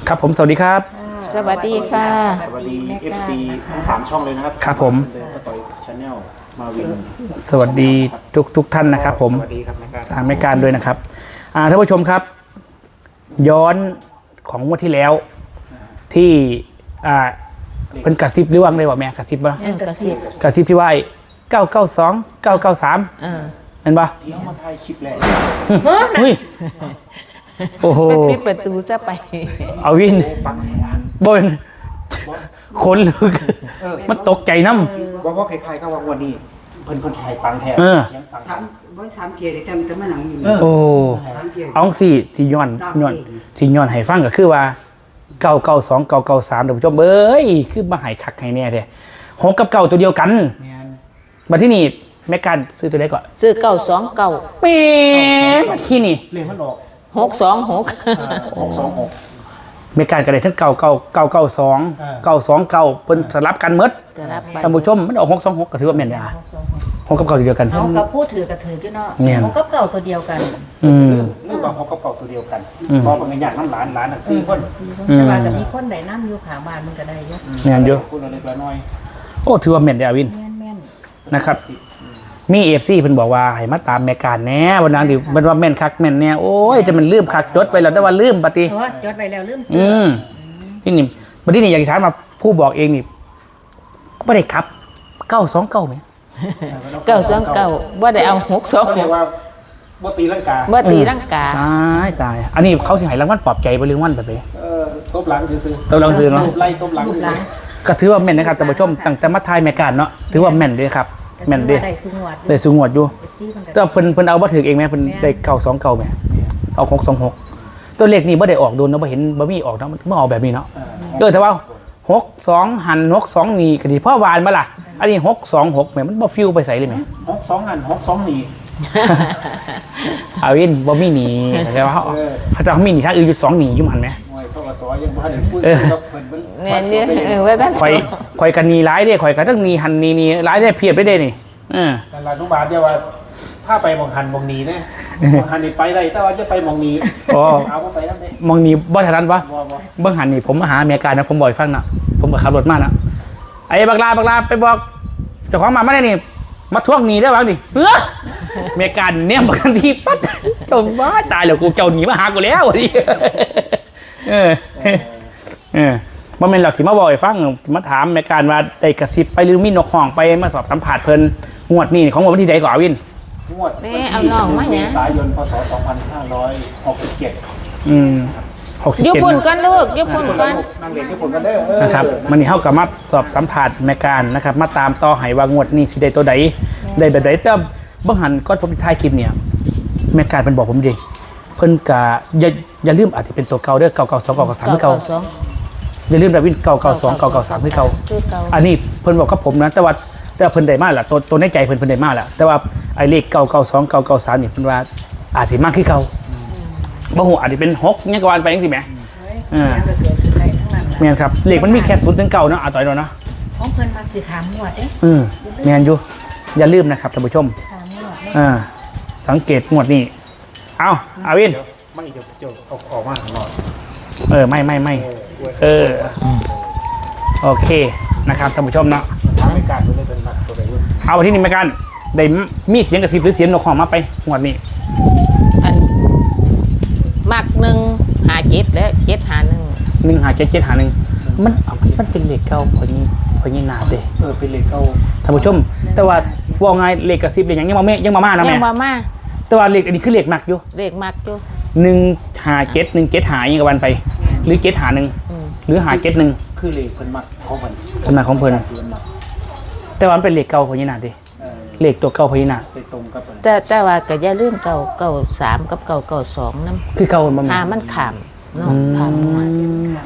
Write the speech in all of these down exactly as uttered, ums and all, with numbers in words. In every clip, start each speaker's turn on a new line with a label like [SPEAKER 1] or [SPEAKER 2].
[SPEAKER 1] ครับผมสวัสดีครับ
[SPEAKER 2] สวัสดีค่ะ
[SPEAKER 3] สวัสดี เอฟ ซี ทั้งสามช่องเลยนะครับ
[SPEAKER 1] ครับผม
[SPEAKER 3] ป้าต่อยชาแนลมาวิน
[SPEAKER 1] สวัสดีทุกทุกท่านนะครับผม
[SPEAKER 3] สวัสดีครับแม่การ
[SPEAKER 1] ทางแม่การด้วยนะครับอ่าท่านผู้ชมครับ ย้อนของงวดที่แล้วที่อ่าเป็นกระซิบหรือว่าได้ว่าแม่กระซิบป่ะ
[SPEAKER 2] เออกระซิบ
[SPEAKER 1] กระซิบที่ว่าเก้าเก้าสองเก้าเก้าสาม
[SPEAKER 2] เออ
[SPEAKER 1] เห็นปะ
[SPEAKER 3] ที่เขามาถ่ายคลิปแรก
[SPEAKER 1] เฮ้ยโอ้โห
[SPEAKER 2] มันปิดประตูซะไป
[SPEAKER 1] เอาวิน
[SPEAKER 3] ปังแทน
[SPEAKER 1] บนคนลึกมันตกใจน้ำ
[SPEAKER 3] ว่าว่าใครๆก็ว่าวันนี้เพิ่นเพิ่นใช้ปังแทน
[SPEAKER 1] เออ
[SPEAKER 3] เสียงปังแท
[SPEAKER 4] สาม
[SPEAKER 3] น
[SPEAKER 4] บ่สามเกียร์ได้จำจะมาหนังอยู่
[SPEAKER 3] เออ
[SPEAKER 1] โอ้
[SPEAKER 4] สามเกียร์
[SPEAKER 1] เอาสิที่ย้อนย้อนที่ย้อนให้ฟังก็คือว่าเก้าเก้าสองเก้าเก้าสามท่านผู้ชมเอ้ยคือมาใหายคักให้แน่แท้หกกับเก้าตัวเดียวกัน
[SPEAKER 3] แมน
[SPEAKER 1] มาที่นี่แม่การซื้อตัวใดก่อน
[SPEAKER 2] ซื้อเก้าสองเก้า
[SPEAKER 1] แม่มาที่นี่
[SPEAKER 3] เลขมันออก
[SPEAKER 2] หกสองหก
[SPEAKER 3] หกสองหก
[SPEAKER 1] แม่การก็ได้ทั้งเก้าเก้าเก้าเก้าสอง
[SPEAKER 3] อ่า
[SPEAKER 1] เก้าสองเก้าเพิ่นสลับกันหมด
[SPEAKER 2] จะรับไป
[SPEAKER 1] ท่านผู้ชมมันออกหกสองหกก็ถือว่าแม่นยาหกกับเก้าตัวเดียวกัน
[SPEAKER 5] เขากับผู้ถือกับถือกันเนาะ
[SPEAKER 1] เนี่ย
[SPEAKER 5] เขากับเก่าตัวเดียวกัน
[SPEAKER 1] อืม
[SPEAKER 3] เรื่องบางเขาก็เก่าตัวเดียวกัน
[SPEAKER 1] อืม
[SPEAKER 3] พอมันอยากน้ำหลานหลานทั้งสี่คน
[SPEAKER 1] อืม
[SPEAKER 5] แต่ว่ากับมีคนใดน้ำอยู่ขาบ้านมันก็ได้เยอะ
[SPEAKER 1] แม่นอยู่
[SPEAKER 3] คุณอะไรละน้อย
[SPEAKER 1] โอ้ถือว่าแม่นยาวิน
[SPEAKER 5] แม่นแม่น
[SPEAKER 1] นะครับ มีเอฟซีเพิ่นบอกว่าให้มาตามแม่การแหน่วันนั้นดิมันว่าแม่นคักแม่นแน่โอ้ยจะมันลืมคักจดไปแล้วแต่ว่าลืมปฏิ
[SPEAKER 5] เพราะว่าจดไว้แล้วลืมซื้
[SPEAKER 1] อืมที่นี่บัดนี้นี่อยากจะถามมาผู้บอกเองนี่บ่ได้ครับเก้าสองเก้าไหม
[SPEAKER 2] เก้าสองเก้าว่าได้เอาหกสอง
[SPEAKER 3] เขา
[SPEAKER 2] ห
[SPEAKER 3] เรีย
[SPEAKER 2] ก
[SPEAKER 3] กว่าบ่ตีลังกา
[SPEAKER 2] ว่าตีร่างกา
[SPEAKER 1] ตายตายอันนี้เขาสิให้รางวัลปลอบใจบ่หรือรางวัลแบบไหน
[SPEAKER 3] เออตบหลังซื้อ
[SPEAKER 1] ตบหลังซื้อเนาะ
[SPEAKER 3] ตบไล่ตบหลัง
[SPEAKER 5] รูปห
[SPEAKER 3] ซื้
[SPEAKER 5] ลั
[SPEAKER 3] อง
[SPEAKER 1] ก็ถือว่าแม่นนะครับท่านผู้ชมตั้งแต่มาทายแม่การเนาะถือว่าแม่นเด้ครับแม่นเด้
[SPEAKER 5] ได้ซื้อหวด
[SPEAKER 1] ได้สูงวดอยู่
[SPEAKER 5] ซี่มันก็
[SPEAKER 1] แต่เพิ่นเพิ่นเอาบ่ถึกเองแม่เพิ่นได้เก้าสองเก้าแม่เอาหกสองหกตัวเลขนี่บ่ได้ออกโดนเนาะบ่เห็นบ่มีออกเนาะมันบ่ออกแบบนี้เนาะ
[SPEAKER 3] เออ
[SPEAKER 1] เออแต่ว่าหกสองหันหกสองนี่ก็ดีพ่อวานมาล่ะ อันนี้หกสองหกแหมมันบ่ฟิวไปใส่เลยแหม
[SPEAKER 3] หกสองหันหกสองหนี
[SPEAKER 1] อาวินบ่มีหนีแต่ว่าเขา
[SPEAKER 3] เออ
[SPEAKER 1] เขาจะเขามีหนีทางอื่นอยู่สองหนีอยู่หันไหม
[SPEAKER 3] มวยเข้ามาซอยยังบ่ทันได้พูด
[SPEAKER 1] เออ
[SPEAKER 3] กับเพิ่นเพิ่น
[SPEAKER 2] แม่นเนี่ยเออว่าท่าน
[SPEAKER 1] ข่อยข่อยกันหนีร้ายเด้ข่อยกันทั้งหนีหันหนีหนีร้ายได้เพียบได้เด้นี่เออ
[SPEAKER 3] นั่นล่ะทุกบาทเดียวว่าถ้าไปหมองหันหมองหนีนะหมองหันนี่ไปได้แต่ว่าจะไปหมองหนี
[SPEAKER 1] อ๋อ
[SPEAKER 3] เอาบ่ไปนำเด้
[SPEAKER 1] มองหนีบ่ทันวะ
[SPEAKER 3] บ่บ่
[SPEAKER 1] เบิ่งหันนี่ผมมาหาอเมริกานะผมบ่อยฟังนะผมก็ขับรถมานะไอ้บักลาบักลาไปบอกเจ้าของหมามาได้นี่มาทวงหนีได้บ้างดิเอออเมริกาเนี่ยบักทันทีปั๊บจมว่าตายแล้วกูเจ้าหนีมาหากูแล้วดิเออเออบ่แม่นหลักสิมาบอกให้ฟังมาถามอเมริกาว่าได้กระซิบไปหรือมีนกห้องไปมาสอบสัมภาษณ์เพิ่นงวดนี้ของวันที่ใดก่อนวิน
[SPEAKER 3] งวด
[SPEAKER 2] นี่เอาน้องมา
[SPEAKER 3] เม
[SPEAKER 2] เนี่ย
[SPEAKER 3] ษายนพศสองพันห้าร้อยหกสิบเจ็ด
[SPEAKER 1] อืมหกสิบ
[SPEAKER 2] ยุบ
[SPEAKER 1] เจ็ด
[SPEAKER 2] ปุ่นกันลูกยุบปุ่นกัน
[SPEAKER 3] นั่งเล่นญี่ปุ่นกันเด้อเออ
[SPEAKER 1] นะครับมันนี่เข้ากับมาสอบสัมผัสในการนะครับมาตามต่อให้ว่างวดนี้สิได้ตัวใดได้แบบใดแต่เบื้องหันก้อนผมท้ายคลิปเนี่ยแม่การเป็นบอกผมดิเพิ่นกะอย่าอย่าลืมอาจจะเป็นตัวเก่าเด้อเก่าเก่าสองเก่าเก่าสามคือเก่า
[SPEAKER 2] สอง
[SPEAKER 1] อย่าลืมแบบวินเก่าเก่าสองเก่าเก่าสามคือเก่า
[SPEAKER 2] คือเก่า
[SPEAKER 1] อันนี้เพิ่นบอกกับผมนะแต่ว่าแต่ว่าเพิ่นได้มากแหละตัวตัวในใจเพิ่นเพิ่นได้มากแหละแต่ว่าไอ้เลขเก่าเก่าสองเก่าเก่าสามนี่เพิ่นว่าอาจสิมากคือเก่าบ่ฮู้อาจจะเป็นหกเนี่ยก็ว่าไปจังซี่แหมเออ
[SPEAKER 5] ยังก็เกิดขึ้นได้ทั้งนั้น
[SPEAKER 1] แม่นครับเลขมันมีแค่ศูนย์ถึงเก้าเนาะอ่ะต่อยเนาะเนาะ
[SPEAKER 5] ของเพิ่นมันสิขามหวดเด้
[SPEAKER 1] อืมแมนอยู่อย่าลืมนะครับท่านผู้ชม
[SPEAKER 5] ขามหวดเด้
[SPEAKER 1] อ่าสังเกตงวดนี้เอาอาวิน
[SPEAKER 3] เดี๋ยวไม่เดี๋ยวเดี๋ยวเอาออกมาข้างนอก
[SPEAKER 1] เออไม่ไม่ไม่เออโอเคนะครับท่านผู้ชมเนาะ
[SPEAKER 3] ทางรายการเพิ่นเลยเป็นนักตัวใดรุ่น
[SPEAKER 1] เอาที่นี่มากันได้มีเสียงกระซิบหรือเสียงนกของมาไปงวดนี้
[SPEAKER 2] อันมักหนึ่งหาเจ็ดและเจ็ดหาหนึ่ง
[SPEAKER 1] หนึ่งหาเจ็ดเจ็ดหาหนึ่งมันเอามันเป็นเลขเก่าพอนี้พอนี้นาเด้
[SPEAKER 3] เออเป็นเลขเก้า
[SPEAKER 1] ท่านผู้ชม แต่ว่าว่าไงเลขกระซิบเลยยังยังมาแม่ยังมาม่านะ
[SPEAKER 2] ยั
[SPEAKER 1] แม่
[SPEAKER 2] งมามา
[SPEAKER 1] แต่ว่าเลขอันนี้คือเลขหนักอยู่
[SPEAKER 2] เลขมักอยู่
[SPEAKER 1] หนึ่งหาเจ็ดหนึ่งเจ็ดหายังกับวันไป หรือเจ็ดหาหนึ่ง
[SPEAKER 2] อืม
[SPEAKER 1] หรือหาเจ็ดหนึ่ง
[SPEAKER 3] คือเลขเพิ่นมักของเพิ่น
[SPEAKER 1] ขนาดของเพิ่น
[SPEAKER 3] เพิ่นมัก
[SPEAKER 1] แต่ว่ามันเป็นเลขเก่าพอนี้นาเด้
[SPEAKER 3] เออ
[SPEAKER 1] เลขตัวเก่าพอนี้นา
[SPEAKER 3] ไปตรงกับเพิ่น
[SPEAKER 2] แต่แต่ว่าก็อย่าลืมเก่าเก่าสามกับเก่าเก่าสองน้
[SPEAKER 1] คือเก่ามัน
[SPEAKER 2] ำ
[SPEAKER 1] บ่
[SPEAKER 2] หา
[SPEAKER 1] แม่น
[SPEAKER 2] มันขามเนาะขามหวด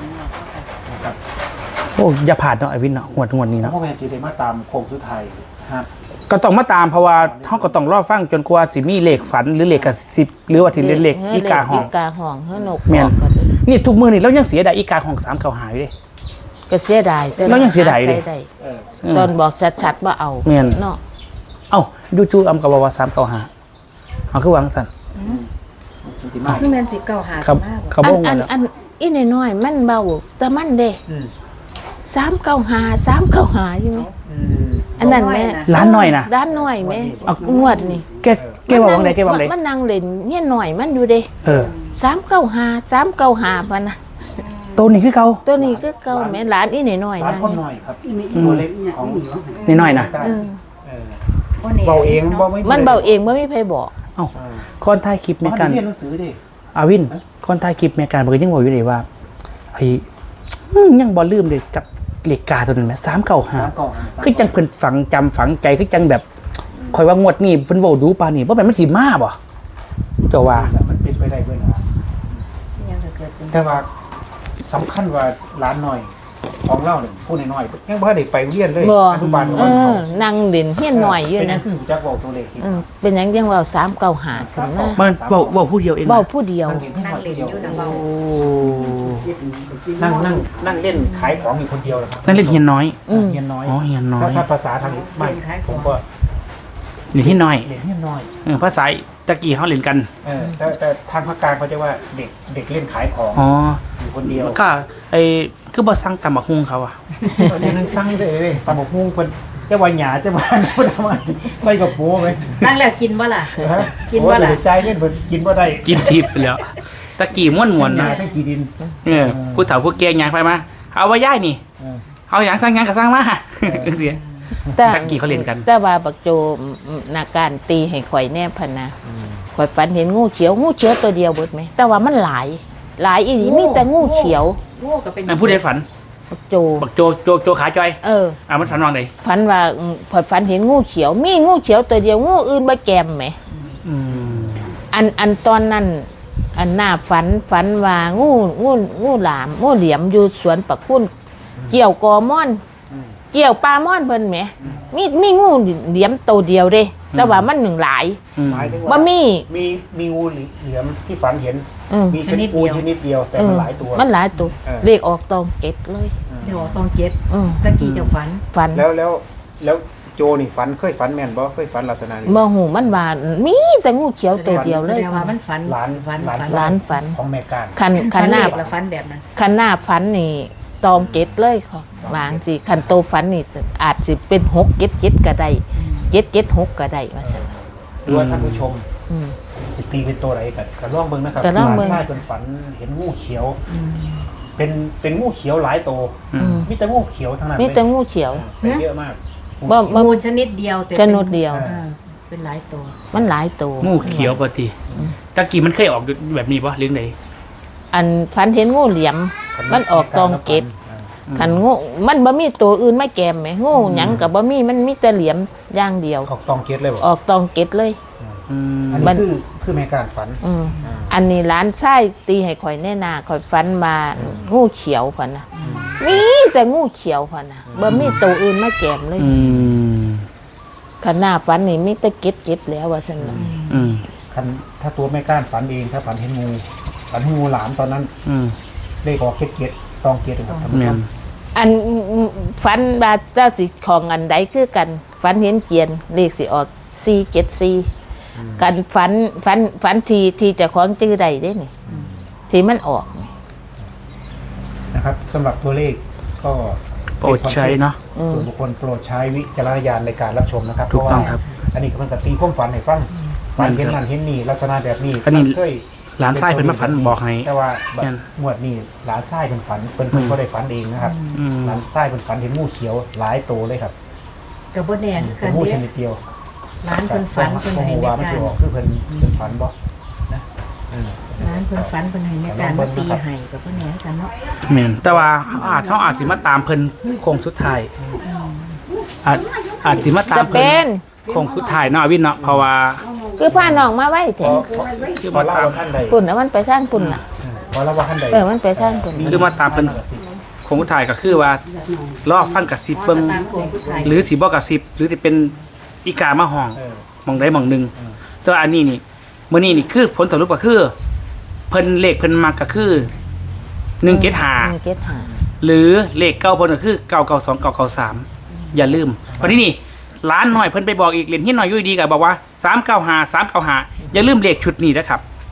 [SPEAKER 1] โอ้อย่าผ่านเนาะไอวินเนาะหวดหวดนี้
[SPEAKER 3] แล้ว
[SPEAKER 1] เนาะ
[SPEAKER 3] พ่อแม่สิได้มาตามโค้งสุดท้ายครับ
[SPEAKER 1] ก็ต้องมาตามเพราะว่าเฮาก็ต้องรอฟังจนกว่าสิมีเลขฝันหรือเลขกระสิบหรือว่าที่เลขเลขอีกาห้อง
[SPEAKER 2] อีกาห้องเฮ้นก
[SPEAKER 1] แม่น
[SPEAKER 2] บอกกันเลย
[SPEAKER 1] นี่ทุกมื้อนี่เรายังเสียดายอีกาห้องสามเก่าหายอยู่เด้
[SPEAKER 2] ก็เสียดายแต่
[SPEAKER 1] เรายังเสียดายเลย
[SPEAKER 2] ใช้ไ
[SPEAKER 3] เออ
[SPEAKER 1] อืม
[SPEAKER 2] ตอนบอกชัดๆว่าเอา
[SPEAKER 1] แม่น
[SPEAKER 2] เนาะ
[SPEAKER 1] เอ้าจู่ๆอำกับว่าสามเก่าหาเอาคือวางซั่น
[SPEAKER 3] จริงๆมาก
[SPEAKER 5] นี่แม่นสิเก่าหา
[SPEAKER 1] ครับ
[SPEAKER 5] มาก
[SPEAKER 1] เขา
[SPEAKER 2] อั
[SPEAKER 1] บ่
[SPEAKER 2] น
[SPEAKER 1] ง
[SPEAKER 2] อั
[SPEAKER 1] กัน นแล้ว
[SPEAKER 2] อันอีน้อยๆมันเบาแต่มันเด้
[SPEAKER 3] อืม
[SPEAKER 2] สามเก้าหาสามเก้าหาใช่ไหม
[SPEAKER 3] อืม
[SPEAKER 2] อันนั้นแม่
[SPEAKER 1] ร้านหน่อยนะ
[SPEAKER 2] ด้านน้อยแม่งวดนี่
[SPEAKER 1] แกแกว่าวังใดแกว่าวังใด
[SPEAKER 2] มันนั่งเล่นเนี่ยหน่อยมันอยู่เด้
[SPEAKER 1] เออ
[SPEAKER 2] สามเก้าหาสามเก้าหาพะนะ
[SPEAKER 1] ตัวนี้คือเก่า
[SPEAKER 2] ตัวนี้ก็เก่าแม่หลานอีน้อยๆ
[SPEAKER 3] ร้าน
[SPEAKER 2] นะ
[SPEAKER 3] คนหน่อยครับ
[SPEAKER 4] มี
[SPEAKER 3] ตัวเล็กของ
[SPEAKER 1] นี่น้อยนะ
[SPEAKER 2] เออ
[SPEAKER 3] เออ
[SPEAKER 5] โอ้นี่
[SPEAKER 3] เบาเองเบาไม่
[SPEAKER 2] มันเบาเองไม่มีใครบอก
[SPEAKER 1] เอ้า
[SPEAKER 3] เออ
[SPEAKER 1] คนถ่ายคลิปแม่
[SPEAKER 3] มัน
[SPEAKER 1] กัน
[SPEAKER 3] เรียนหนังสือดิ
[SPEAKER 1] อาวินคนถ่ายคลิปแม่กันมันก็ยังบอกอยู่เลยว่าไอ้อื้อยังบ่ลืมเลยกับเลขกาตัวนั้นแหมสามเก้าห้า
[SPEAKER 3] สามกล่องหาสาม
[SPEAKER 1] คือจังเพิ่นฝังจำฝังใจคือจังแบบคอยว่างวดนี้เพิ่นเว้าดูปานนี้บ่แม่นมันสิมาบ่เจ้าว่า
[SPEAKER 3] มันเป็นไปได้เพื่อนนะ
[SPEAKER 5] ยังจะเกิดเป็น
[SPEAKER 3] แต่ว่าสำคัญว่าร้านหน่อยของเล่าเนี่ยพูดน้อยๆยังบ่ได้ไปเรียนเลย
[SPEAKER 2] บ่
[SPEAKER 3] อนุบาล
[SPEAKER 2] เออนั่งเด่นเฮียนหน่อยอยู่
[SPEAKER 3] เป็นยั
[SPEAKER 2] นะ
[SPEAKER 3] งคือจักบอกตัวเลขอีก
[SPEAKER 2] เออเป็นหยังยังเว่าสามเก้าหาถึงนะ
[SPEAKER 1] มันเว้าเว้าผู้เดียวเองนะ
[SPEAKER 2] เบาผู้เดียว
[SPEAKER 3] นั่งเล่นที่หน่อยเดียว
[SPEAKER 5] นั่งเล่นอยู่นะเบา
[SPEAKER 1] โอ้
[SPEAKER 3] นั่งนั่งนั่งเล่นขายของอยู่คนเดียวเหรอครับ
[SPEAKER 1] นั่นเล่นเฮียนน้อย
[SPEAKER 2] อืม
[SPEAKER 3] เฮียนน้อย
[SPEAKER 1] อ๋อเฮียนน้อย
[SPEAKER 3] ถ้าถ้าภาษาทางนี้มันผมก็
[SPEAKER 1] เล่นเฮียนน้อย
[SPEAKER 3] เรียนเฮียนน้อย
[SPEAKER 1] เออภาษาตะกี้เฮาเล่นกัน
[SPEAKER 3] เออแต่แต่ทางภาคกลางเขาจะว่าเด็กเด็กเล่นขายของ
[SPEAKER 1] อ๋อ
[SPEAKER 3] อยู่คนเดียว
[SPEAKER 1] ก็ไอ้คือบ่สั่งตำบักหุ่งเขาอ่ะ
[SPEAKER 3] ตอนนี้นั่งสั่งเลยเลยตำบักหุ่งคนเจ้าว่าหยาเจ้าว่าพูดทำไมใส่กับโป้ไหม
[SPEAKER 5] นั่งแล้วกินบ่ล่ะ
[SPEAKER 3] ฮะ
[SPEAKER 5] กินบ่ล่ะ
[SPEAKER 3] โอ้ยเดี๋ยวใจเล่นเพิ่นกินบ่ได้
[SPEAKER 1] กินทิพย์ไปแล้วตะกี้ม่วนๆ
[SPEAKER 3] หยา
[SPEAKER 1] นะ
[SPEAKER 3] ทั้งกี่ดิน
[SPEAKER 1] เออผู้เฒ่าผู้แก่ยางไปมาเอาว่าย่ายนี่
[SPEAKER 3] เออ
[SPEAKER 1] เอาหยังสั่งหยังก็สั่งมาจังซี่
[SPEAKER 2] แต่
[SPEAKER 1] ตะกี้เขาเล่นกัน
[SPEAKER 2] แต่ว่าบักโจนาการตีให้ข่อยแน่พะนะข่อยฝันเห็นงูเขียวงูเขียวตัวเดียวเบิดไหมแต่ว่ามันหลาย หลายอีหลีมีแต่งูเขียว
[SPEAKER 5] งูก็เป็น
[SPEAKER 1] นั่นผู้ใดฝัน
[SPEAKER 2] บักโจ
[SPEAKER 1] บักโจโจโจขาจอย
[SPEAKER 2] เออ
[SPEAKER 1] อ่ามันฝันว่าได
[SPEAKER 2] ฝันว่าอืมข่อยฝันเห็นงูเขียว มีงูเขียวตัวเดียวงูอื่นบ่แกมไหม
[SPEAKER 1] อืม
[SPEAKER 2] อันอันตอนนั้นอันหน้าฝันฝันว่างูงูงูหลามงูเหลี่ยมอยู่สวนปักคุณเกี่ยวกอม่อน เกี่ยวปลาม่อนเพิ่นแหมมีมีงูเหลี่ยมตัวเดียวเด้แต่ว่ามันหนึ่งหลาย
[SPEAKER 1] อืม
[SPEAKER 3] หมายถึง
[SPEAKER 2] บ่
[SPEAKER 3] ว่า
[SPEAKER 2] มี
[SPEAKER 3] มีมีงูเหลือมที่ฝันเห็น
[SPEAKER 2] เออ
[SPEAKER 3] มีชนิดงูชนิดเดียวแต่
[SPEAKER 2] เอ
[SPEAKER 3] มัน
[SPEAKER 2] อ
[SPEAKER 3] หลายตัว
[SPEAKER 2] มันหลายตัว
[SPEAKER 3] เออ
[SPEAKER 2] เลขออกตองเก็ดเลย
[SPEAKER 5] เดี๋ยวตองเจ็ด
[SPEAKER 2] เออ
[SPEAKER 5] ตะกี้เจ้าฝัน
[SPEAKER 2] ฝัน
[SPEAKER 3] แล้วแล้วแล้วโจนี่ฝันเคยฝันแม่นบ่เคยฝันลักษณะนี้
[SPEAKER 2] บ่หูมันว่ามีแต่งูเขียวตัวเดียวเลย
[SPEAKER 5] แสดงว่ามันฝัน
[SPEAKER 3] หลาน
[SPEAKER 5] ฝัน
[SPEAKER 3] หลาน
[SPEAKER 5] ฝัน
[SPEAKER 2] หลานฝัน
[SPEAKER 3] ของแม่การ
[SPEAKER 2] คันคั
[SPEAKER 5] ฝั
[SPEAKER 2] น
[SPEAKER 5] น
[SPEAKER 2] หน้า
[SPEAKER 5] เลขละฝันแบบนั้น
[SPEAKER 2] คันหน้าฝันนี่ตองเก็ดเลยค่ะวางสิคันโตฝันนี่อาจสิเป็นหกเก็ดเก็ดก็ได้เก็ดเก็ดหกก็ได้ว่าซั่น
[SPEAKER 3] หรือว่าท่านผู้ชม
[SPEAKER 2] อืม
[SPEAKER 3] สิตีเป็นตัวไหนกันกระล่องเบิ่งนะครับ
[SPEAKER 2] กะลองเบิ่ง
[SPEAKER 3] หลานชายเป็นฝันเห็นงูเขียว เป็นเป็นงูเขียวหลายตัว
[SPEAKER 1] อืม
[SPEAKER 3] มีแต่งูเขียวทั้งนั้น
[SPEAKER 2] มี
[SPEAKER 3] เลย
[SPEAKER 2] แต่งูเขียว
[SPEAKER 3] แต่เยอะมาก
[SPEAKER 2] บ่บ่
[SPEAKER 5] งูชนิดเดียวแต่
[SPEAKER 2] ชนิดเดียว
[SPEAKER 5] เออเป็นหลายตัว
[SPEAKER 2] มันหลายตัว
[SPEAKER 1] งูเขียวปกติตะกี้มันเคยออกแบบนี้ปะเรื่องใด
[SPEAKER 2] อันฝันเห็นงูเหลี่ยม มันออกตองเก็ด ขันงูมันบ่มีตัวอื่นไม่แกมไหมงูหยังกับบ่มีมันมีแต่เหลี่ยมอย่างเดียว
[SPEAKER 3] ออกตองเกตเลยบ่
[SPEAKER 2] ออกตองเก็ดเลย
[SPEAKER 1] อืม
[SPEAKER 3] อัน
[SPEAKER 2] มั
[SPEAKER 3] นี้
[SPEAKER 2] น
[SPEAKER 3] คือคือแม่การฝัน
[SPEAKER 2] อืม
[SPEAKER 3] อ่า
[SPEAKER 2] อันนี้ร้านไส้ตีให้ข่อยแน่นาข่อยฟันมางูเขียวพันนะมีแต่งูเขียวพันนะบ่มีตัวอื่นไม่แกมเลย
[SPEAKER 1] อืม
[SPEAKER 2] ขนาดฟันนี่มีแต่เก็ดเก็ดแล้วว่าซั่นน่ะ
[SPEAKER 1] อืม
[SPEAKER 3] คันถ้าตัวแม่การฝันเองถ้าฝันเห็นงูฝันเห็นงูหลามตอนนั้น
[SPEAKER 1] อืม
[SPEAKER 3] เลขออกเกตเกตตองเกตครับท่านผู้
[SPEAKER 1] แม่
[SPEAKER 3] ช
[SPEAKER 1] น
[SPEAKER 3] ม
[SPEAKER 2] อันฟันบาเจ้าสิของอันใดคือกันฟันเห็นเกียนเลขสิออกสี่เจ็ดสี่กันฟันฟันฟันทีที่เจะของจื้อใดได้นี่ที่มันออกนี่
[SPEAKER 3] นะครับสำหรับตัวเลขก็
[SPEAKER 1] โปรดใช้เนาะ
[SPEAKER 3] ส่วนบุคคลโปรดใช้วิจารณญาณในการรับชมนะครับ
[SPEAKER 1] ถูกต้องครับ
[SPEAKER 3] เพาะว่าอันนี้ก็เป็นกตีความฝันให้ฟังฝันเห็นนั่นเห็นนี่ลักษณะแบบนี้
[SPEAKER 1] อันนี้
[SPEAKER 3] เคย
[SPEAKER 1] หลานไส้เพิ่นมาฝันบอกให้
[SPEAKER 3] แต่ว่าแบบ
[SPEAKER 1] แม่น
[SPEAKER 3] งวดนี้หลานไส้เป็นฝันเป็นเพิ่นก็ได้ฝันเองนะครับ
[SPEAKER 1] อืม
[SPEAKER 3] หลานไส้เป็นฝันเห็นงูเขียวหลายตัวเลยครับ
[SPEAKER 5] กับบ่แน่คือ
[SPEAKER 3] เป็
[SPEAKER 5] กัน น
[SPEAKER 3] งูช
[SPEAKER 5] เด้
[SPEAKER 3] นิดเดียว
[SPEAKER 5] ร้านเพิ่นฝันเพิ่น
[SPEAKER 3] ผม
[SPEAKER 5] ให้
[SPEAKER 3] ว่า
[SPEAKER 5] แม่
[SPEAKER 3] มัน
[SPEAKER 5] กา
[SPEAKER 3] จะ
[SPEAKER 5] ร
[SPEAKER 3] ออกคือเพิ่นเป็นฝันบ่นะเออ
[SPEAKER 5] ร้านเพิ่นฝันเพิ่นให้แม่การมาตีให้กับบ่แน่กันเนาะ
[SPEAKER 1] แม่นแต่ว่าอาจเขาอาจสิมาตามเพิ่นโค้งสุดท้ายอาจอาจสิมาตา
[SPEAKER 2] ส
[SPEAKER 1] ม
[SPEAKER 2] เป
[SPEAKER 1] เพิ่น
[SPEAKER 2] น
[SPEAKER 1] โค้งสุดท้ายเนาะวินเนาะเพราะว่า
[SPEAKER 2] คือพาน้องมาไว้
[SPEAKER 3] พ
[SPEAKER 2] แท้
[SPEAKER 3] อพอเล่าว่าท่านใด
[SPEAKER 2] ปุ่นน่ะมันไปทางปุ่นน่ะ
[SPEAKER 3] พอเล่าว่าท่านใด
[SPEAKER 2] เออมันไปทางปุ่น
[SPEAKER 1] คือมาตามเพิ่นโค้งสุดท้ายก็คือว่ารอฟังกระซิบเบิ่ง
[SPEAKER 5] ตามโครงสุดท้าย
[SPEAKER 1] หรือสิบ่กระซิบหรือสิเป็นอีกามาห้อง
[SPEAKER 3] เออ
[SPEAKER 1] หมองใดหมองหนึงแต่ว่าอันนี้นี่มื้อนี้นี่คือผลสรุปก็คือ เพิ่นเลขเพิ่นมักก็คือหนึ่งเจ็ดห้า
[SPEAKER 2] หนึ่งเจ็ดห้า
[SPEAKER 1] หรือเลขเก้าเพิ่นก็คือเก้าเก้าสองเก้าเก้าสามอย่าลืมเพราะที่นี่ร้านหน่อยเพิ่นไปบอกอีกเรียนที่หน่อยอยู่ดีๆก็บอกว่าสามเก้าห้า สามเก้าห้าอย่าลืมเลขชุดนี้นะครับ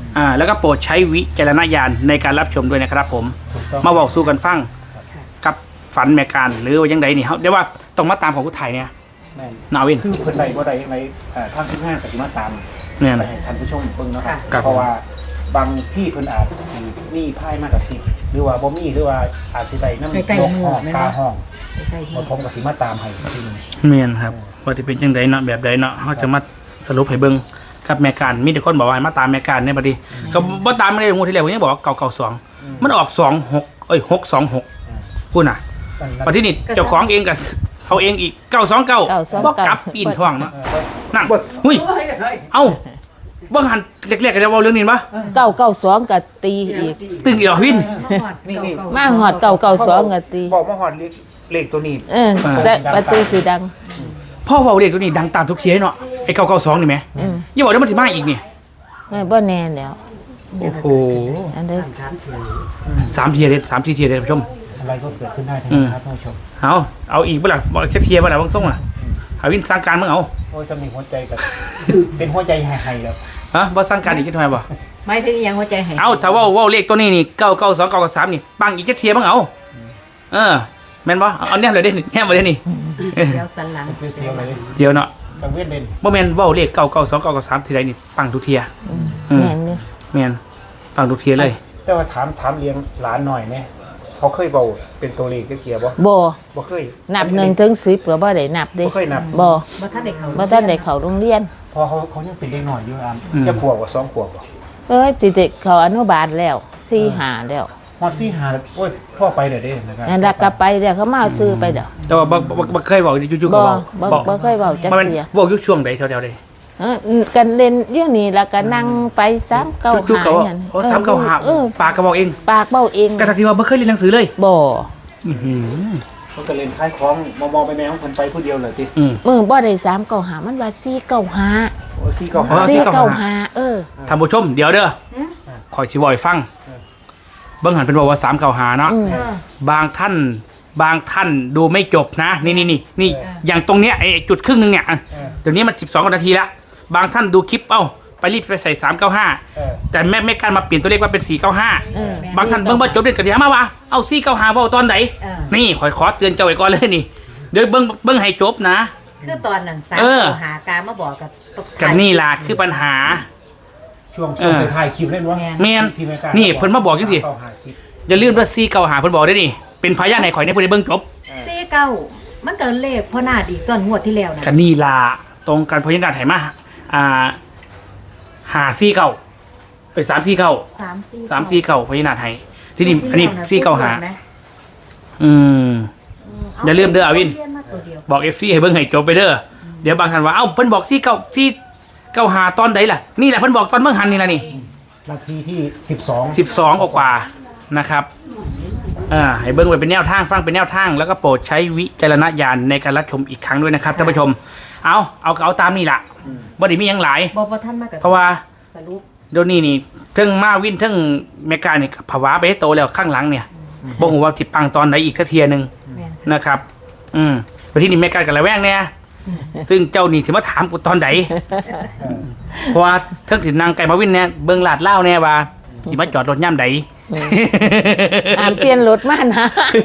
[SPEAKER 1] อ่าแล้วก็โปรดใช้วิจารณญาณในการรับชมด้วยนะครับผม
[SPEAKER 3] ถูกต้อง
[SPEAKER 1] มาบอกสู้กันฟังกับฝันแม่การหรือว่ายังไงนี่เขาเรียกว่าต้องมาตามของผู้ไทยเนี่ย
[SPEAKER 3] แม่น
[SPEAKER 1] นาวิน
[SPEAKER 3] คือคนใดบ่ใดในเอ่อทางที่ห้าปฏิมาตาม
[SPEAKER 1] เนี่ย
[SPEAKER 3] ไปให้ท่านผู้ชมเบิ่งเนาะครับ
[SPEAKER 1] ครับ
[SPEAKER 3] เพราะว่าบางที่เพิ่นอาจสิมีไพ่มากกว่าสิบหรือว่าบ่มีหรือว่าอาจสิได้นำ
[SPEAKER 5] ใกล้ๆมือ
[SPEAKER 3] ห้อง
[SPEAKER 5] แม่น
[SPEAKER 3] กา
[SPEAKER 5] บ่
[SPEAKER 3] ห้อง
[SPEAKER 5] ใกล้ๆ
[SPEAKER 3] บ่
[SPEAKER 5] ที่
[SPEAKER 3] ผมก็สิมาตามให้อีกทีหนึง
[SPEAKER 1] เมียนครับว่าจะเป็นจังไดเนาะแบบใดเนาะเขาจะมาสรุปให้เบิ่งกับแม่การมีแต่คนบอกว่าให้มาตามแม่การในบัดนี้ก็บ่ตามไม่ได้งวดที่แล้วผมยังบอกว่าเก่าเก่าสองมันออกสองหกเอ้ยหกสองหกพูดน่ะปัจจุบันเจ้าของเองกับเอาเองอีกเก้าสองเก้า
[SPEAKER 2] เก้าสอง
[SPEAKER 1] บอก
[SPEAKER 2] เก้า
[SPEAKER 1] กลับปีนท้องเนาะ
[SPEAKER 3] เออ
[SPEAKER 1] นั่นหุ้ยเอ้าบ้างหันเล็กๆกันจะเว่าเรื่องนี้ปะ
[SPEAKER 2] เก้าเก้าสองก็ตีอีก
[SPEAKER 1] ตึงอีกเหรอวิน
[SPEAKER 3] นี่นี่
[SPEAKER 2] มาหอดเก้าเก้าสองก็ตี
[SPEAKER 3] บอกมาฮอดเลขเลขตัวนี้
[SPEAKER 2] เออแต่ประตูสีดัง
[SPEAKER 1] พ่อเว่าเรียกตัวนี้ดังตามทุกเทียเนาะไอ้เก้าเก้าสองนี่ไหม
[SPEAKER 2] อืม
[SPEAKER 1] อย่าบอกว่ามันสิมาอีกนี่
[SPEAKER 2] ไม่บ่แน่แล้ว
[SPEAKER 1] โอ้โห
[SPEAKER 2] อันเด้อ
[SPEAKER 1] สามเทียเลยสามสี่เทียเลยท่านผู้ชม
[SPEAKER 3] อะไรก็เกิดขึ้นได้ทั้ง
[SPEAKER 1] อืม
[SPEAKER 3] นั้นครับท่านผู้ชม
[SPEAKER 1] เอาเอาอีกเมื่อไหร่บอกเช็คเทียเมื่อไหร่บางส่งอ่ะหาวินสร้างการมึงเอา
[SPEAKER 3] โอ้ยสำนึกหัวใจกับ เป็นหัวใจหายๆแล้ว
[SPEAKER 1] ฮะบ่สร้างการอีกทำไมบ่
[SPEAKER 5] ไม่ถึงอีหยังหัวใจให้
[SPEAKER 1] เอาถ้าเว่าเว่าเลขตัวนี้นี่เก้าเก้าสองเก้าสามนี่ปังอีกเช็คเทียมึงเอาเออแม่นบ่เอาเอาแนมเลยเด้แนมมาเด้นี่
[SPEAKER 5] เดี๋ยวสันหลัง
[SPEAKER 3] เสียวๆเลย
[SPEAKER 1] เดี๋ยวเนาะ
[SPEAKER 3] กังเว้นเด่น
[SPEAKER 1] บ่แม่นเว้าเลขเก้าเก้าสองเก้าสามทีไรนี่ปังทุกเทียอืม
[SPEAKER 2] แม่นนี่
[SPEAKER 1] แม่นปังทุกเทียเลย
[SPEAKER 3] แต่ว่าถามถามเลี้ยงหลานหน่อยเนี่ยเขาเคยเบาเป็นตัวเลขก็เกียร์บ่
[SPEAKER 2] บ่
[SPEAKER 3] บ่เคย
[SPEAKER 2] นับหนึ่งถึงสิบก็บ่ได้นับเด้
[SPEAKER 3] บ่เคยนับ
[SPEAKER 2] บ่
[SPEAKER 5] บ่ทันได้เข้า
[SPEAKER 2] บ่ทันได้เข้าโรงเรียน
[SPEAKER 3] พอเขาเขายังเป็นเด็กหน่อยอยู่อ่ะจะขวบกว่าสองขวบบ่
[SPEAKER 2] เอ้ยสิได้เข้าอนุบาลแล้วสี่ห้าแล้ว
[SPEAKER 3] ฮอดสี่หาแล้วโอ้ยพ่อไปเด้อเด้นะครับ
[SPEAKER 2] นั่นละก็ไปเดี๋ยวเขามาเอาซื้อไปเดี๋ยว
[SPEAKER 1] แต่ว่าบ่บ่บ่เคยบอกจู่ๆก็
[SPEAKER 2] บ่
[SPEAKER 1] บอก
[SPEAKER 2] บ่
[SPEAKER 1] บอก
[SPEAKER 2] บ่เคยเว้าจัก
[SPEAKER 1] มันเป็น
[SPEAKER 2] เที่ย
[SPEAKER 1] เว้าอยู่ช่วงใดแถวๆใด
[SPEAKER 2] เออกันเล่นเรื่องนี้แล้วก็นั่งไปสามเก้า
[SPEAKER 1] จู่ๆก็
[SPEAKER 2] หา
[SPEAKER 1] บอก
[SPEAKER 2] นั่น
[SPEAKER 1] โอ้สามเก้าห้า
[SPEAKER 2] เออ
[SPEAKER 1] ปากก็บอกเอง
[SPEAKER 2] ปากเบ้าเอง
[SPEAKER 1] แต่ทันทีว่าบ่เคยเรียนหนังสือเลย
[SPEAKER 2] บ่
[SPEAKER 1] อื้อหือ
[SPEAKER 3] เขาก็เล่นคล้ายของมองๆไปแม่ของเพิ่นไปผู้เดียวเลยติ
[SPEAKER 1] อืม
[SPEAKER 2] มือบ่ได้สามเก้าหามันว่าสี่เก้าหา
[SPEAKER 3] โอ้สี่เก้า
[SPEAKER 1] อ๋อ
[SPEAKER 3] หา
[SPEAKER 2] สี่
[SPEAKER 1] สี่เก้า
[SPEAKER 2] เก้า
[SPEAKER 1] ห้า
[SPEAKER 2] หาเออ
[SPEAKER 1] ท่านผู้ชมเดี๋ยวเด้อคอยสิเว้าให้ฟังเบิ่งหันเป็นบอกว่าสามเก้าห้าเนาะ
[SPEAKER 2] อืม
[SPEAKER 5] เออบ
[SPEAKER 1] างท่านบางท่านดูไม่จบนะ นี่นี่นี่นี่อย่างตรงเนี้ยไอ้จุดครึ่งหนึงเนี่ยอ่ะเดี๋ยวนี้มันสิบสองนาทีละบางท่านดูคลิปเอ้าไปรีบไปใส่สามเก้าห้า
[SPEAKER 3] เออ
[SPEAKER 1] แต่แม่ไม่กล้ารมาเปลี่ยนตัวเลขว่าเป็นสี่เก้าห้า
[SPEAKER 2] เออบ
[SPEAKER 1] างท่านเบิ่งว่าจบเดือนกระเดียมาวะเอาสี่เก้าห้าว่าตอนไหน
[SPEAKER 5] เออ
[SPEAKER 1] นี่ขอขอเตือนเจ้าไว้ก่อนเลยนี่เดี๋ยวเบิ่งเบิ่งให้จบนะ
[SPEAKER 5] คือตอนนั้นสาม
[SPEAKER 1] เออ
[SPEAKER 5] หาการมาบอกกับตก
[SPEAKER 1] กับนี่ล่ะคือปัญหา
[SPEAKER 3] ช่วงช่วง
[SPEAKER 1] เออ
[SPEAKER 3] ถ่ายคลิปเล่นวะ
[SPEAKER 1] แม่น
[SPEAKER 3] ที่ไม่กล้า
[SPEAKER 1] นี่เพิ่นมาบอกจังสิ
[SPEAKER 3] เก้าหาคลิป
[SPEAKER 1] อย่าลืมว่าสี่เก้าห้าเพิ่นบอกได้นี่เป็นพยานให้ข่อยในเพิ่นได้เบิ่งจบ
[SPEAKER 5] สี่เก้ามันเกินเลขพ่อนาดอีกตอนงวดที่แล้วนะ
[SPEAKER 1] กันนี่ล่ะตรงกันพยานให้มาอ่าหาสี่เก้าไปสามสี่เก้า
[SPEAKER 5] สามสี่
[SPEAKER 1] สามสี่เก้าพยานให้ที่นี่อันนี้สี่เก้าห้า
[SPEAKER 5] ไหม
[SPEAKER 1] อืม อย่าลืมเด้ออาวิน
[SPEAKER 5] เรียมาตัวเดียว
[SPEAKER 1] บอก เอฟ ซี ให้เบิ่งให้จบไปเด้อเดี๋ยวบางท่านว่าเอ้าเพิ่นบอกสี่เก้าสี่เก้าห้าตอนใดล่ะนี่แหละเพิ่นบอกตอนเบิ่งหันนี่ล่ะนี่
[SPEAKER 3] นาทีที่สิบสอง
[SPEAKER 1] สิบสองกว่าๆนะครับอ่าให้เบิ่งไว้เป็นแนวทางฟังเป็นแนวทาง แล้วก็โปรดใช้วิจารณญาณในการรับชมอีกครั้งด้วยนะครับท่านผู้ชม เอาเอาเอาตามนี่ล่ะบ่ได้มีหยังหลาย
[SPEAKER 5] บอกว่าท่านมากับ
[SPEAKER 1] เพราะว่า
[SPEAKER 5] สรุป
[SPEAKER 1] เดี๋ยวนี้นี่เทั้งมาวินเทั้งเมกานี่ภาวะไปให้โตแล้วข้างหลังเนี่ยบ่ฮู้ว่าสิปังตอนไหนอีกสักเทียหนึง
[SPEAKER 5] แม่น
[SPEAKER 1] นะครับ อืมไปที่นี่เมกากับระแวงเนี่ยซึ่งเจ้านี่สิมาถามกูตอนไหนเพราะว่าเทั้งสินางไก่มาวินเนี่ยเบิ่งลาดเล่าวเนี่ยว่าสิมาจอดรถย่ำใด
[SPEAKER 2] อ่านเปลี่ยนรถมานะ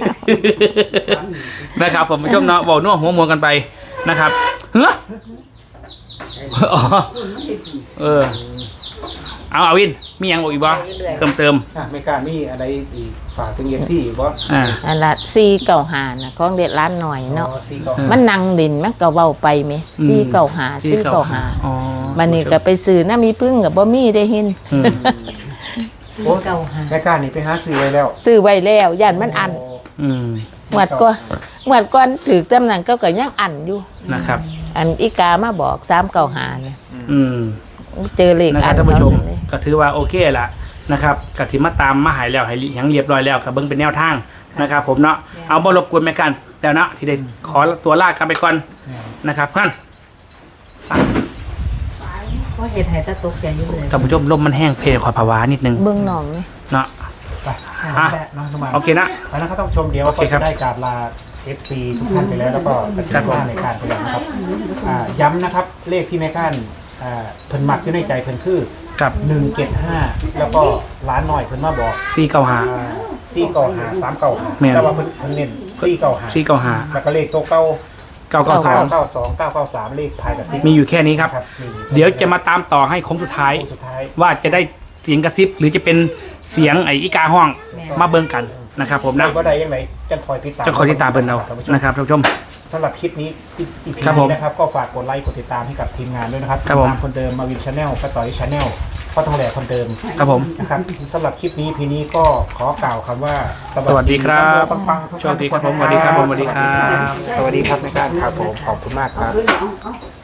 [SPEAKER 1] นะครับผมผู้ชมเนาะบอกนัวหัวมวกันไปนะครับเฮ้ออ๋อเออเอาอาวินมีหยังบอกอีกบ่เติมเติม
[SPEAKER 3] อ่ะไม่กล้ามีอะไรอีกฝากถึงเอฟซีบ่
[SPEAKER 1] อ่า
[SPEAKER 2] อันละสี่เก้าหานะของเด็ดร้านหน่อยเนาะ
[SPEAKER 3] สี่เก้า
[SPEAKER 2] มันนั่งดินมันก็เว้าไปไหมสี่เก้าหาสี่เก้าหา
[SPEAKER 1] อ๋อ
[SPEAKER 2] บันนี้ก็ไปซื้อน้ามีพึ่งกับบ่มีได้เห็น
[SPEAKER 1] อืม
[SPEAKER 5] สี่เก้าหา
[SPEAKER 3] แม่กล้านี่ไปหาซื้อไว้แล้ว
[SPEAKER 2] ซื้อไว้แล้วย่านมันอัน
[SPEAKER 1] อืม
[SPEAKER 2] เหมือนก็เหมือนก่อนถือตำแหน่งก็ก็ยังอันอยู่
[SPEAKER 1] นะครับ
[SPEAKER 2] อันอีกามาบอกสามเก้าหาเนี่ย
[SPEAKER 1] อืม
[SPEAKER 2] เจอเลข
[SPEAKER 1] นะค
[SPEAKER 2] อั
[SPEAKER 1] รับ
[SPEAKER 2] น
[SPEAKER 1] ท่านผู้ชม
[SPEAKER 2] เท่นั้นเลย
[SPEAKER 1] ก็ถือว่าโอเคละนะครับกถิมาตามมาหายแล้วให้หยังเรียบร้อยแล้วกับเบิ้งเป็นแนวทางนะครับ ผมเนาะเอาบ่รบกวนแม่กันแล้วเนาะที่ได้ขอตัวลากันไปก่อนนะครับท่าน
[SPEAKER 5] เพราะเหตุให้ตาตกใจอยู่เลย
[SPEAKER 1] ท่านผู้ชมลมมันแห้งเพลขอภาวะนิดนึง
[SPEAKER 2] เบิ่งหนองไหม
[SPEAKER 1] เนาะ
[SPEAKER 3] ไป
[SPEAKER 1] อ่ะ
[SPEAKER 3] น้องสมาน
[SPEAKER 1] โอเคนะ
[SPEAKER 3] ไปแล้วก็ต้องชมเดี๋ยว
[SPEAKER 1] โอเค
[SPEAKER 3] ก็
[SPEAKER 1] ครั
[SPEAKER 3] จะ
[SPEAKER 1] บ
[SPEAKER 3] ได้กราบลา เอฟ ซี ทุกท่านไปแล้วแล้วก็กระชับหน้าในการไปแล้วนะครับอ่าย้ำนะครับเลขที่แม่ก้านอ่าเพิ่นมักอยู่ในใจเพิ่นคือ
[SPEAKER 1] ครับ
[SPEAKER 3] หนึ่งเจ็ดห้าแล้วก็ร้านหน่อยเพิ่นมาบอก
[SPEAKER 1] สี่เก้าห้า
[SPEAKER 3] สี่เก้าหาสามเก้าหา
[SPEAKER 1] แม่น
[SPEAKER 3] แต่ว่าเพิ่นเพิ่นเน้นสี่เก้าหา
[SPEAKER 1] สี่เก้าห้า
[SPEAKER 3] แล้วก็เลขตัวเก้า
[SPEAKER 1] เก้าเก้าสอง
[SPEAKER 3] เก้าสองเก้าเก้าสามเลขท้ายกับซิป
[SPEAKER 1] มีอยู่แค่นี้ครับ
[SPEAKER 3] ครับมี
[SPEAKER 1] เดี๋ยวจะมาตามต่อให้โค้งสุดท้าย
[SPEAKER 3] สุดท้าย
[SPEAKER 1] ว่าจะได้เสียงกระซิบ หรือจะเป็นเสียงไอ้อีกาห้องมาเบิ่งกันนะครับผมนะ
[SPEAKER 3] ว่าใดยังไงจะคอยติดตาม
[SPEAKER 1] จะคอยติดตามเบิ่งเรา
[SPEAKER 3] ท่านผู้ชม
[SPEAKER 1] นะครับท่านผู้ชม
[SPEAKER 3] สำหรับคลิปนี้อีพี
[SPEAKER 1] ครับผม
[SPEAKER 3] นี้นะครับก็ฝากกดไลค์กดติดตามให้กับทีมงานด้วยนะครับ
[SPEAKER 1] ครับผม
[SPEAKER 3] ทีงานคนเดิมมาวินชาแนลป้าต่อยชาแนลพ่อทองแหล่คนเดิม
[SPEAKER 1] ครับผม
[SPEAKER 3] นะครับสำหรับคลิปนี้พีนี้ก็ขอกล่าวคำว่า
[SPEAKER 1] สวัสดีครับ
[SPEAKER 3] ปังๆทุก
[SPEAKER 1] สวั
[SPEAKER 3] ท่าน
[SPEAKER 1] สดีครับผมสวัสดีครับผมสวัสดีครับ
[SPEAKER 3] สวัสดีครับในการครับผมขอบคุณมากครับ
[SPEAKER 4] เอาเอา